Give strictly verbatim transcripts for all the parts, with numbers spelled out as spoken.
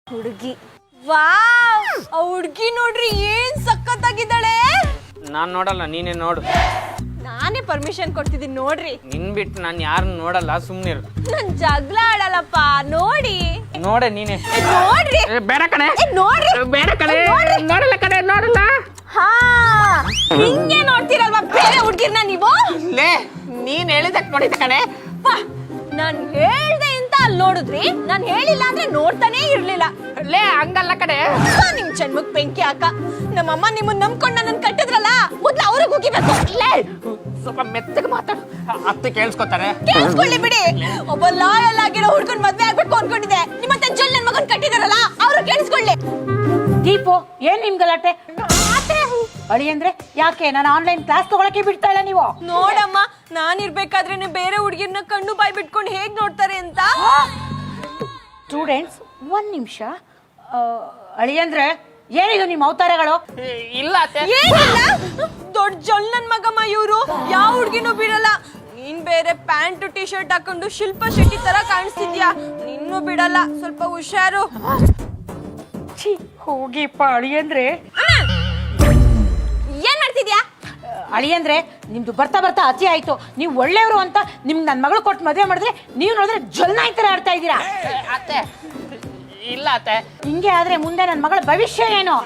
ಹುಡುಗಿ ವಾವ್ ಆ ಹುಡುಗಿ ನೋಡ್ರಿ ಏನ್ ಸಕ್ಕತ್ತಾಗಿದ್ದಾಳೆ. ನಾನ್ ನೋಡಲ್ಲ, ನೀನೇ ನೋಡು. ನಾನೇ ಪರ್ಮಿಷನ್ ಕೊಡ್ತಿದ್ದೀನಿ ನೋಡ್ರಿ. ನಿನ್ ಬಿಟ್ಟು ನಾನು ಯಾರನ್ನ ನೋಡಲ್ಲ, ಸುಮ್ನಿರು. ನನ್ ಜಗಳ ಆಡಲ್ಲಪ್ಪ, ನೋಡಿ ನೋಡೆ ನೀನೆ. ಏ, ನೋಡ್ರಿ ಏ, ಬೇಡ ಕಣೆ. ಏ, ನೋಡ್ರಿ ಬೇಡ ಕಣೆ. ನೋಡಲ್ಲ ಕಣೆ, ನೋಡಲ್ಲ. ಹಾ ಹಿಂಗೆ ನೋಡ್ತೀರಲ್ವಾ ಬೇರೆ ಹುಡುಗಿರ್ನ ನೀವು? ಲೇ, ನೀನ್ ಹೇಳಿದಕ್ ನೋಡಿದ ಕಣೆ. ವಾ, ನಾನ್ ಹೇಳ್ದೆ ಅಂತ ಅಲ್ಲಿ ನೋಡಿದ್ರಿ, ನಾನ್ ಹೇಳಿಲ್ಲ ಅಂದ್ರೆ ನೋಡ್ತಾನೆ ಇರ್ಲಿಲ್ಲ. ಲೇ, ಹಂಗಲ್ಲ ಕಣೆ. ಅಪ್ಪ, ನಿಮ್ ಜನ್ಮಕ್ ಬೆಂಕಿ ಹಾಕ. ನಮ್ಮಮ್ಮ ನಿಮ್ಮನ್ನ ನಂಬ್ಕೊಂಡ್ ನನ್ನ ಕಟ್ಟಿದ್ರಲ್ಲ, ಮೊದ್ಲು ಅವ್ರಿಗೆ ಹೋಗಿಬೇಕು. ಲೇ, ಸ್ವಲ್ಪ ಮೆತ್ತಗೆ ಮಾತಾಡು, ಅತ್ತೆ ಕೇಳಿಸ್ಕೊತಾರೆ. ಕೇಳಿಸ್ಕೊಳ್ಳಿ ಬಿಡಿ. ಒಬ್ಬ ಲಾಯಲ್ ಆಗಿರೋ ಹುಡ್ಕೊಂಡ್ ಮದ್ವೆ ಆಗ್ಬೇಕು ಅನ್ಕೊಂಡಿದ್ದೆ, ನಿಮ್ಮತ್ತೆ ಜಲ್ ನನ್ ಮಗನ್ ಕಟ್ಟಿದಾರಲ್ಲ ಅವ್ರು ಕೇಳಿಸ್ಕೊಳ್ಳಿ. ದೀಪು, ಏನ್ ನಿಮ್ ಗಲಾಟೆ? ಅಳಿ ಅಂದ್ರೆ ಯಾಕೆ ನಾನು ಆನ್ಲೈನ್ ಕ್ಲಾಸ್ ತಗೊಳಕ್ಕೆ ಬಿಡ್ತಾ ಇಲ್ಲ ನೀವು? ನೋಡಮ್ಮ, ನಾನಿರ್ಬೇಕಾದ್ರೇನೆ ಬೇರೆ ಹುಡುಗಿರ್ನ ಕಣ್ಣು ಬಾಯಿ ಬಿಟ್ಕೊಂಡು ಹೇಗ್ ನೋಡ್ತಾರೆ ಅಂತ. ಸ್ಟೂಡೆಂಟ್ಸ್, ಒಂದ್ ನಿಮಿಷ. ಅಳಿ ಅಂದ್ರೆ ಏನಿದು ನಿಮ್ಮ ಅವತಾರಗಳು? ಇಲ್ಲ ಅತ್ತೆ. ಏನಿಲ್ಲ, ದೊಡ್ಡ ಜಲ್ ನನ್ ಮಗಮ್ಮ ಇವ್ರು. ಯಾವ ಹುಡ್ಗಿನೂ ಬಿಡಲ್ಲ. ನೀನ್ ಬೇರೆ ಪ್ಯಾಂಟ್ ಟಿ ಶರ್ಟ್ ಹಾಕೊಂಡು ಶಿಲ್ಪ ಶೆಟ್ಟಿ ತರ ಕಾಣಿಸ್ತಿದ್ಯಾ, ನಿನ್ನೂ ಬಿಡಲ್ಲ. ಸ್ವಲ್ಪ ಹುಷಾರು. ಛೀ, ಹೋಗಿಪ್ಪ. ಅಳಿ ಅಂದ್ರೆ ಏನ್ ಮಾಡ್ತಿದ್ಯಾ? ಅಳಿ ಅಂದ್ರೆ ನಿಮ್ದು ಬರ್ತಾ ಬರ್ತಾ ಅತಿ ಆಯ್ತು. ನೀವು ಒಳ್ಳೆಯವರು ಅಂತ ನಿಮ್ಗೆ ನನ್ನ ಮಗಳು ಕೊಟ್ಟು ಮದುವೆ ಮಾಡಿದ್ರೆ ನೀವು ನೋಡಿದ್ರೆ ಜೊಲ್ನಾಯಿ ತರ ಆಡ್ತಾ ಇದ್ದೀರಾ. ಅತ್ತೆ ಇಲ್ಲ ಅತ್ತೆ. ಹಿಂಗೆ ಆದ್ರೆ ಮುಂದೆ ನನ್ನ ಮಗಳ ಭವಿಷ್ಯ ಏನು?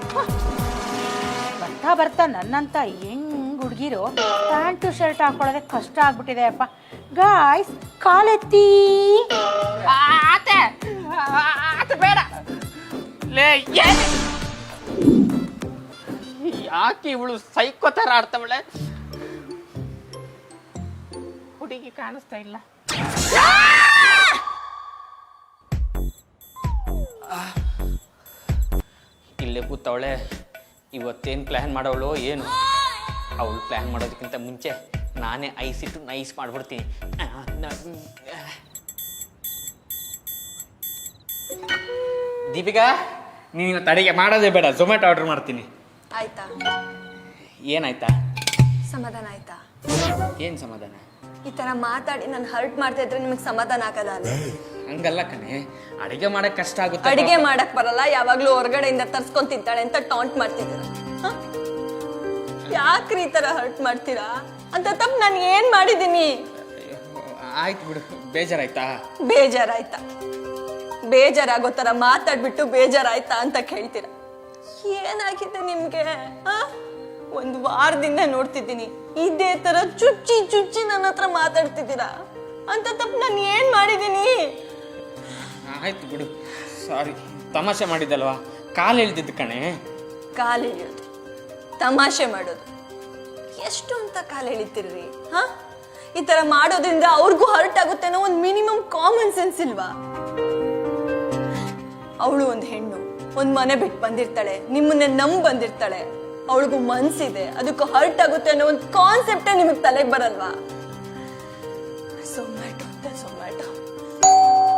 ಬರ್ತಾ ಬರ್ತಾ ನನ್ನಂತ ಹೆಂಗ್ ಹುಡುಗಿರು ಪ್ಯಾಂಟು ಶರ್ಟ್ ಹಾಕೊಳ್ಳೋದೇ ಕಷ್ಟ ಆಗ್ಬಿಟ್ಟಿದೆ ಅಪ್ಪ. ಗಾಯ್ಸ್, ಕಾಲೆತ್ತಿ. ಅತ್ತೆ ಅತ್ತೆ ಬೇಡ. ಲೇ, ಯಾಕೆ ಇವಳು ಸೈಕೋ ತರ ಆಡ್ತಾವಳೆ? ಹುಡುಗಿ ಕಾಣಿಸ್ತಾ ಇಲ್ಲ. ಇಲ್ಲೇ ಕೂತವಳೆ. ಇವತ್ತೇನು ಪ್ಲ್ಯಾನ್ ಮಾಡೋವಳು ಏನು? ಅವಳು ಪ್ಲ್ಯಾನ್ ಮಾಡೋದಕ್ಕಿಂತ ಮುಂಚೆ ನಾನೇ ಐಸಿಟ್ಟು ನೈಸ್ ಮಾಡ್ಬಿಡ್ತೀನಿ. ದೀಪಿಕಾ, ನೀನು ತಡೆಗೆ ಮಾಡೋದೇ ಬೇಡ, ಝೊಮ್ಯಾಟೊ ಆರ್ಡರ್ ಮಾಡ್ತೀನಿ. ಆಯ್ತಾ? ಏನಾಯ್ತಾ? ಸಮಾಧಾನ ಆಯ್ತಾ? ಏನು ಸಮಾಧಾನ? ಈ ತರ ಮಾತಾಡಿ ನಾನು ಹರ್ಟ್ ಮಾಡ್ತಾ ಇದ್ರೆ ನಿಮಗೆ ಸಮಾಧಾನ ಆಗಲ್ಲ ಅಲ್ಲ? ಹಂಗಲ್ಲ ಕಣೆ, ಅಡಿಗೆ ಮಾಡಕ್ ಕಷ್ಟ ಆಗುತ್ತೆ. ಅಡಿಗೆ ಮಾಡಕ್ ಬರಲ್ಲ, ಯಾವಾಗ್ಲೂ ಹೊರಗಡೆಯಿಂದ ತರ್ಸ್ಕೊಂಡ್ ತಿಂತಾಳೆ ಅಂತ ಟಾಂಟ್ ಮಾಡ್ತಿದ್ದೀರ. ಯಾಕ್ರಿ ಈ ತರ ಹರ್ಟ್ ಮಾಡ್ತೀರಾ? ಅಂತ ತಪ್ಪು ನಾನು ಏನ್ ಮಾಡಿದೀನಿ? ಆಯ್ತು ಬಿಡು, ಬೇಜಾರಾಯ್ತಾ? ಬೇಜಾರಾಯ್ತಾ? ಬೇಜಾರಾಗೋ ತರ ಮಾತಾಡ್ಬಿಟ್ಟು ಬೇಜಾರಾಯ್ತಾ ಅಂತ ಕೇಳ್ತೀರ. ಏನಾಗಿದೆ ನಿಮ್ಗೆ? ಒಂದ್ ವಾರದಿಂದ ನೋಡ್ತಿದ್ದೀನಿ, ಇದೇ ತರ ಚುಚ್ಚಿ ಚುಚ್ಚಿ ನನ್ನ ಹತ್ರ ಮಾತಾಡ್ತಿದ್ದೀರಾ. ಅಂತ ತಪ್ಪು ನಾನು ಏನ್ ಮಾಡಿದೀನಿ? ಆಯ್ತು ಬಿಡು, ಸಾರಿ. ತಮಾಷೆ ಮಾಡಿದ್ದಲ್ವಾ, ಕಾಲು ಎಳ್ದಿದ್ದು ಕಣೆ. ಕಾಲು ಎಳೆಯೋದು, ತಮಾಷೆ ಮಾಡೋದು, ಎಷ್ಟು ಅಂತ ಕಾಲು ಎಳಿತಿರ್ರಿ? ಹಾ, ಈ ತರ ಮಾಡೋದ್ರಿಂದ ಅವ್ರಿಗೂ ಹರ್ಟ್ ಆಗುತ್ತೆ ಅನ್ನೋ ಒಂದು ಮಿನಿಮಮ್ ಕಾಮನ್ ಸೆನ್ಸ್ ಇಲ್ವಾ? ಅವಳು ಒಂದು ಹೆಣ್ಣು, ಒಂದ್ ಮನೆ ಬಿಟ್ಟು ಬಂದಿರ್ತಾಳೆ, ನಿಮ್ಮನ್ನ ನಂಬ್ ಬಂದಿರ್ತಾಳೆ. ಅವಳಿಗೂ ಮನ್ಸಿದೆ, ಅದಕ್ಕೂ ಹರ್ಟ್ ಆಗುತ್ತೆ ಅನ್ನೋ ಒಂದು ಕಾನ್ಸೆಪ್ಟೇ ನಿಮಗ್ ತಲೆಗೆ ಬರಲ್ವಾ? ಝೊಮ್ಯಾಟೊ ಅಂತ ಝೊಮ್ಯಾಟೊ.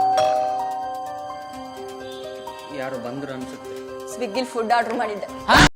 ಯಾರು ಬಂದ್ರು ಅನ್ಸುತ್ತೆ. ಸ್ವಿಗ್ಗಿಲ್ ಫುಡ್ ಆರ್ಡರ್ ಮಾಡಿದ್ದೆ.